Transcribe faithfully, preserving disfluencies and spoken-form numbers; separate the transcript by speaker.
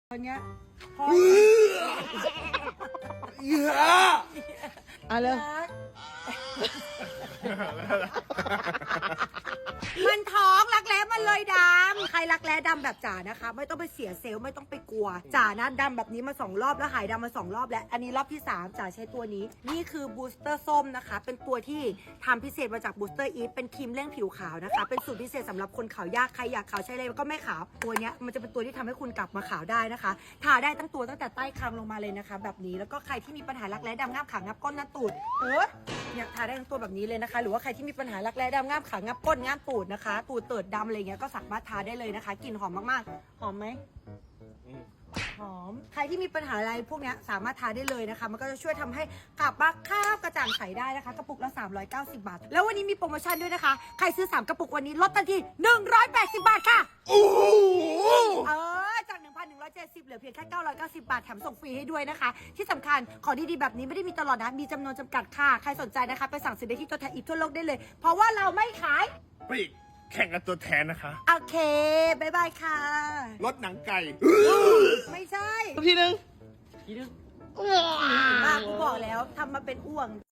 Speaker 1: ตอนเนี้ยพอ
Speaker 2: เยอะอะเลย
Speaker 1: มันท้องรักแร้มันเลยดำใครรักแร้ดำแบบจ๋านะคะไม่ต้องไปเสียเซลล์ไม่ต้องไปกลัวจ๋านะดำแบบนี้มาสองรอบแล้วหายดำมาสองรอบแล้วอันนี้รอบที่สามจ๋าใช้ตัวนี้นี่คือบูสเตอร์ส้มนะคะเป็นตัวที่ทำพิเศษมาจากบูสเตอร์อีฟเป็นครีมเร่งผิวขาวนะคะเป็นสูตรพิเศษสำหรับคนขาวยากใครอยากขาวใช้เลยก็ไม่ขาวตัวเนี้ยมันจะเป็นตัวที่ทำให้คุณกลับมาขาวได้นะคะทาได้ตั้งตัวตั้งแต่ใต้คางลงมาเลยนะคะแบบนี้แล้วก็ใครที่มีปัญหารักแร้ดำง่ามขางับก้นงับตูดเออเนี่ยทาได้ทั้งตัวแบบนี้เลยนะคะหรือว่าใครที่มีปัญหารักแร้ดำง่ามขางับก้นง่ามตูดนะคะตูดเติดดำอะไรเงี้ยก็สามารถทาได้เลยนะคะกลิ่นหอมมากๆหอมไหมหอมใครที่มีปัญหาอะไรพวกนี้สามารถทาได้เลยนะคะมันก็จะช่วยทำให้กลับมาคราบกระจ่างใสได้นะคะกระปุกละสามร้อยเก้าสิบบาทแล้ววันนี้มีโปรโมชั่นด้วยนะคะใครซื้อสามกระปุกวันนี้ลดทันทีหนึ่งร้อยแปดสิบบาทค่ะ
Speaker 2: โอ้โห
Speaker 1: เออจาก หนึ่งพันหนึ่งร้อยเจ็ดสิบ เหลือเพียงแค่เก้าร้อยเก้าสิบบาทแถมส่งฟรีให้ด้วยนะคะที่สำคัญของดีๆแบบนี้ไม่ได้มีตลอดนะมีจำนวนจำกัดค่ะใครสนใจนะคะไปสั่งซื้อได้ที่ตัวแทนอีกทั่วโลกได้เลยเพราะว่าเราไม่ขาย
Speaker 2: ปลีกแข่งกันตัวแทนนะคะ
Speaker 1: โอเคบายบายค่ะ
Speaker 2: รถหนังไก่
Speaker 1: ไม่ใช่
Speaker 3: ทีนึง
Speaker 1: มากกูบอกแล้วทำมาเป็นอ้วง